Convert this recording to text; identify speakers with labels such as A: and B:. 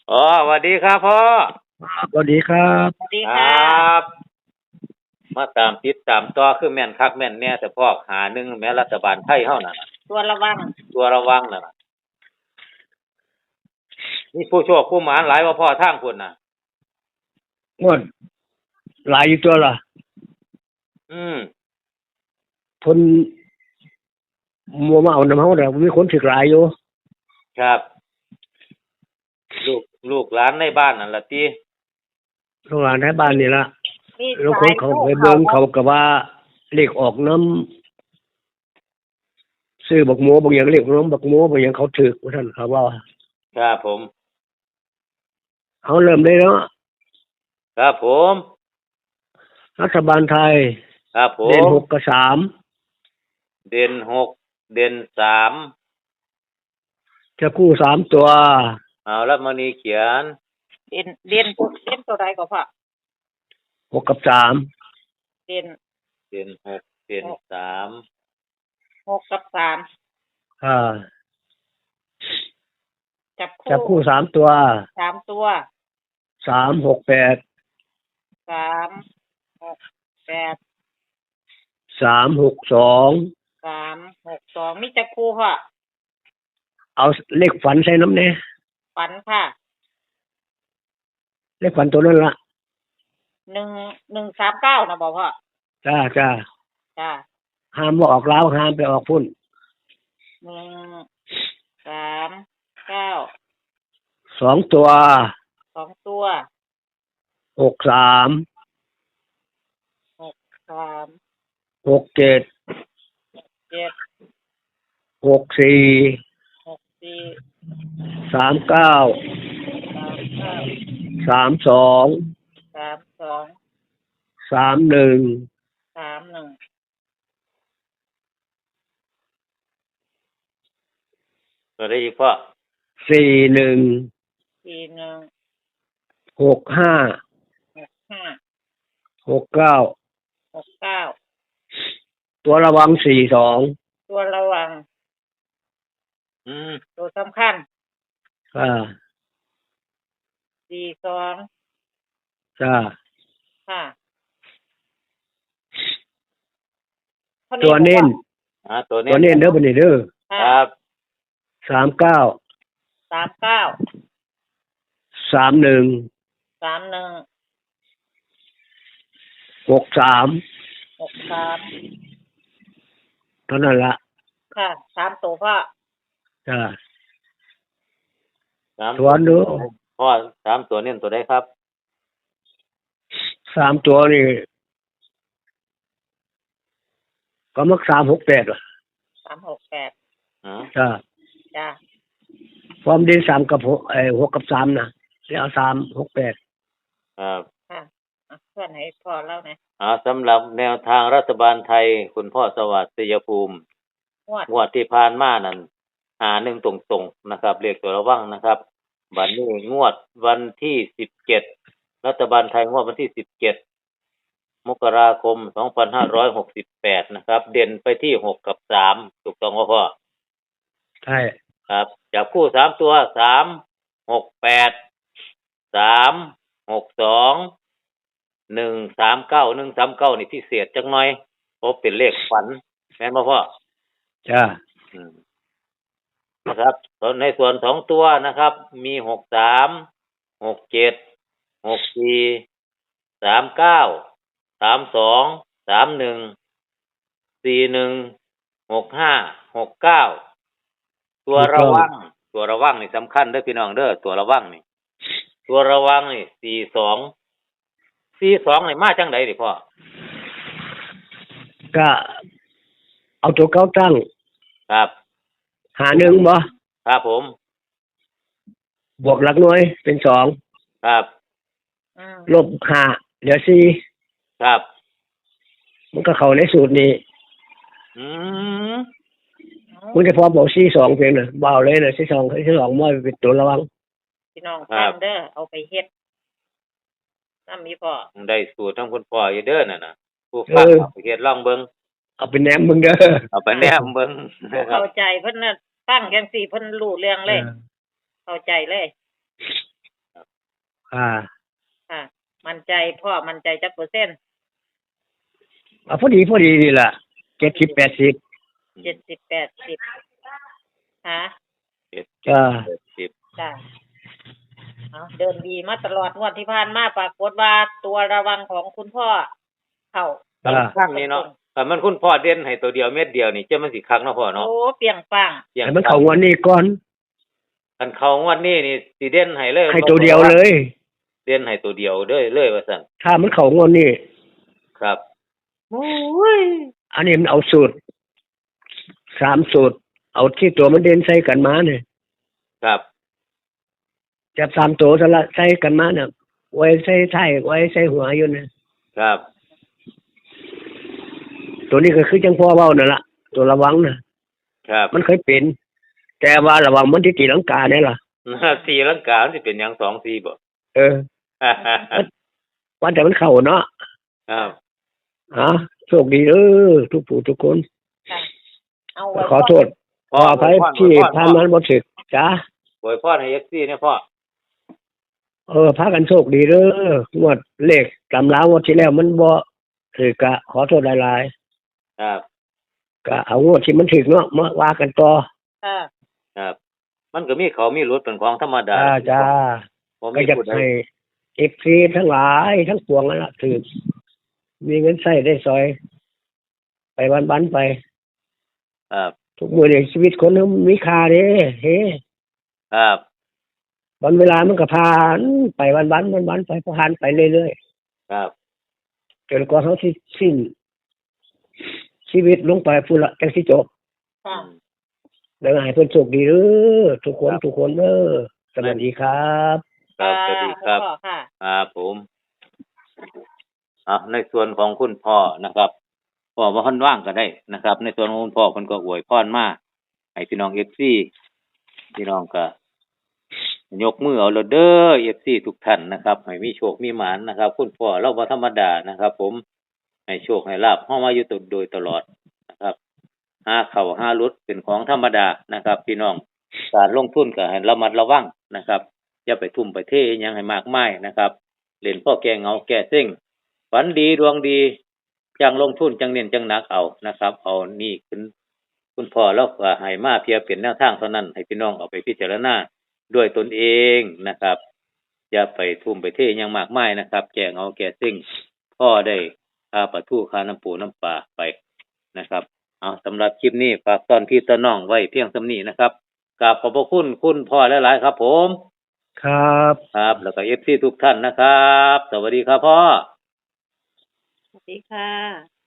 A: อ๋อสวัสดีครับพ่อ
B: สวัสดีครับ
C: สวัสดี
A: คร
C: ค่ะ
A: ับมาตามติดตามต่อคือแม่นคักแม่นแน่แต่พ่อหาหนึ่งแม่รัฐบาลไทยเฮานั่นน่ะ
C: ตัวระวัง
A: ตัวระวังนั่นน่ะมีผู้โชคผู้หมานหลายว่าพ่อทางพุ่นน่ะ
B: งวดหลายอยู่ตัวล่ะ
A: อืม
B: คนมัวมาเอาน้ำเฮาแต่มีคนถึกหลายอยู่
A: ครับลูกหลานในบ้านนั่นล่ะติ
B: โรงงานในบ้านนี่ล่ะ
C: มี
B: แล้วค
C: สาย
B: นเขา
C: ลูก
B: ไปเบิ่งเขา
C: เขา
B: ก็ว่าเลขออกน้ำซื้อบักหมูบางอย่างเลขน้ำบักหมูบางอย่างเขาถึกว่าท่านเขาว่า
A: ครับผม
B: เขาเริ่มได้แล้ว
A: ครับผม
B: รัฐบาลไทย
A: ครับผ
B: เด่น
A: ม
B: 6กับ3
A: เด่น6เด่น3
B: จะคู่3ตัว
A: เอาแล้วมณีเขียน
C: เด่นตัวใดก็พอ
B: 6กับ
C: เด่น
A: เด่น6เด่น3
C: 6 กับ 3
B: อ่า
C: จับ
B: จะคู่
C: คู่
B: 3ตัว
C: 3 ตัว
B: 3 6 8
C: 3 6 8
B: 3 6 2
C: 3 6 2มีจับคู่ค่ะ
B: เอาเลขฝันใส่น้ำเนี่ย
C: ฝันค่ะ
B: เลขฝันตัวนั้นละ
C: 1 1 3 9นะบอกพ่อ
B: จ้า
C: จ้า
B: ห้ามว่าออกแล้วห้ามไปออกพุ่น
C: 1 3 9
B: 2 ตัว
C: 2 ตัว
B: 6 3
C: 3
B: 6 7
C: 7
B: 6 4
C: 6 4
B: 3 9
C: 3 9
B: 3 2
C: 3 2
B: 3 1
C: 3 1
A: ตัวได้อีกพ่อ
B: 4 1
C: 4 1
B: 6 5
C: 6 5
B: 6 9
C: 6 9
B: ตัวระวัง4 2
C: ตัวระวังตัวสำคัญ
B: อ่า
C: 4 2
B: จ้า
C: ค่ะ
B: ตัวเน้น
A: ตัว
B: ตัวเน้นเด้อบัดนี้เด้อ
A: ครับ
B: 3 9
C: 3 9
B: 3 1
C: 3 1
B: 6 3
C: 6 3
B: เท่านั้นละ
C: ค่ะ3ตัวพ่อ
B: จ้า
A: 3
B: ตัวดู
A: พ่อ3ตัวเน้นตัวใดครับ
B: 3ตัวนี่ก็มัก3 6 8ว่ะ
C: 3 6 8
B: จ้า
C: จ้า
B: ความดี3กับ6กับ3นะแล้ว3 6 8
A: ครับ
C: ค่ะเพื่อนให้พ่อเล่าหน่อย
A: สำหรับแนวทางรัฐบาลไทยคุณพ่อสวัสดิ์ศรียภูมิงวดที่ผ่านมานั่นหา1ตรงๆนะครับเรียกตัวระวังนะครับบัดนี้งวดวันที่17รัฐบาลไทยงวดวันที่17มกราคม2568นะครับเด่นไปที่6กับ3ถูกต้องบ่พ่อ
B: ใช่
A: ครับจับคู่3ตัว3 6 8 3 6 2 1 3 9 1 3 9นี่พิเศษจักหน่อยเพราะเป็นเลขฝันแม่นบ่พ่อ
B: จ้า
A: นะครับในส่วน2ตัวนะครับมี6 3 6 7 6 4 3 9 3 2 3 1 4 1 6 5 6 9ตัวระวังนี่สำคัญเด้อพี่น้องเด้อตัวระวังนี่42นี่มาจังได๋ดิพ่อ
B: ก็เอาตัวเก่าตั้ง
A: ครับ
B: หา1บ่
A: ครับผม
B: บวกหลักหน่วยเป็น2
A: ครับ
B: ลบ5เหลือ4
A: ครับ
B: มันก็เข้าในสูตรนี้คุณจะพอบอก4 2เพียงน่ะบ่เอาเลยน่ะ4 2บ่เป็นตัวระวัง
C: พี่น้องฟังเด้อเอาไปเฮ็ดนำมีพ่อ
A: ได้สูตรทั้งคุณพ่ออยู่เด้อนั่นน่ะผู้ฟังเอาไปเฮ็ดลองเบิ่ง
B: เอาไปแนมเบิ่งเด้อ
A: เอาไปแนมเบิ่ง
C: เข้าใจเพิ่นน่ะฟังจังซี่เพิ่นรู้เรื่องเลยเข้าใจเลย
B: ค่ะ
C: ค่ะ มั่นใจพ่อมั่นใจจักเปอร์เซ็นต์
B: พอดีนี่ล่ะ70-80
C: 70-80ค่ะ
B: จ้า
C: จ้ะเอาเดินดีมาตลอดงวดที่ผ่านมาปรากฏว่าตัวระวังของคุณพ่อเข้า
A: ข้างนี้เนาะแต่มันคุณพ่อเด่นให้ตัวเดียวเม็ดเดียวนี่จะมันสิคักเนาะพ่อเนาะ
C: โอ้เปรียงปัง
B: ให้มันเข้างวดนี้ก่อน
A: คันเข้างวดนี้นี่สิเด่นให้เลย
B: ให้ตัวเดียวเลย
A: เด่นให้ตัวเดียวเลยว่าซั่น
B: ถ้ามันเข้างวดนี้
A: ครับ
C: โอ้ย
B: อันนี้มันเอาสูตร3สูตร เอาที่ตัวมันเด่นใส่กันมาเนี่ย
A: ครับ
B: จับ3ตัวซะละใส่กันมาเนี่ยไว้ใส่ท้ายไว้ใส่หัวอยู่เนี่ย
A: ครับ
B: ตัวนี้ก็คือจังพ่อเว้านั่นล่ะตัวระวังนะครับ มันเคยเป็น แต่ว่าระวังมันที่ตีลังกาเนี่ยล่ะ
A: สีลังกามันสิเป็นหยัง2 4บ่
B: ว่าแต่มันเข้าเนาะ
A: ครับ
B: โชคดีทุกผู้ทุกคน
C: ค่ะเอาไว้
B: ขอโทษขออภัยที่ทำมันบ่ถึกจ้า
A: อวยพรให้ FC เนี่ยพ่อ
B: พากันโชคดีงวดเลขตำรางวดที่แล้วมันบ่ถึกก็ขอโทษหลาย
A: ครับ
B: ๆก็เอางวดที่มันถึกเนาะมาว่ากันต่อ
C: ค่ะ
A: ครับ มันก็มีเขามีรถเป็นของธรรมดา
B: จ้า
A: บ่
B: ก็
A: มี
B: อยาก
A: ผู้ใด
B: ให้ FC ทั้งหลายทั้งปวงนั่นล่ะถึกมีเงินใช้ได้ซอย ไปวันๆไป
A: ครับ
B: ทุกมื้อนี้ชีวิตคนมันมีค่าเด้เฮ้
A: ครับ
B: วันเวลามันก็ผ่านไปวันไปผ่านไปเรื่อย
A: ครับ
B: ๆจนกว่าเขาสิสิ้นชีวิตลงไปพุ่นละจังสิจบ
C: ค่ะ
B: แล้วให้เพิ่นโชคดีทุกคนสวัสดีครับ
A: ครับสวัสดีครับ
C: พ่อค่ะ
A: ครับผมในส่วนของคุณพ่อนะครับพ่อว่าค่อนว่างก็ได้นะครับ ในส่วนของคุณพ่อเพิ่นก็อวยพรมาให้พี่น้อง FC พี่น้องก็ยกมือเอาเด้อ FC ทุกท่านนะครับให้มีโชคมีหมานนะครับ คุณพ่อเราบ่ธรรมดานะครับ ผมให้โชคให้ลาภเฮามาอยู่โดยตลอดนะครับหาเข้าหาหลุดเป็นของธรรมดานะครับ พี่น้องการลงทุนก็ให้ระมัดระวังนะครับอย่าไปทุ่มไปเทอิหยังให้มากมายนะครับเล่นพ่อแก้เหงาแก้เซ็งฝันดีดวงดีจังลงทุนจังเน้นจังหนักเอานะครับ เอานี่คุณพ่อเราก็ให้มาเพียงเป็นแนวทางเท่านั้นให้พี่น้องเอาไปพิจารณาด้วยตนเองนะครับอย่าไปทุ่มไปเทอิหยังมากมายนะครับแก้เหงาแก้เซ็งพ่อได้ค่าปลาทูค่าน้ำปูน้ำปลาไปนะครับเอาสำหรับคลิปนี้ฝากตอนพี่ตอนน้องไว้เพียงส่ำนี้นะครับกราบขอบพระคุณคุณพ่อหลายๆครับผม
B: ครับ
A: ครับแล้วก็ FC ทุกท่านนะครับ สวัสดีครับพ่อ
C: สวัสดีค่ะ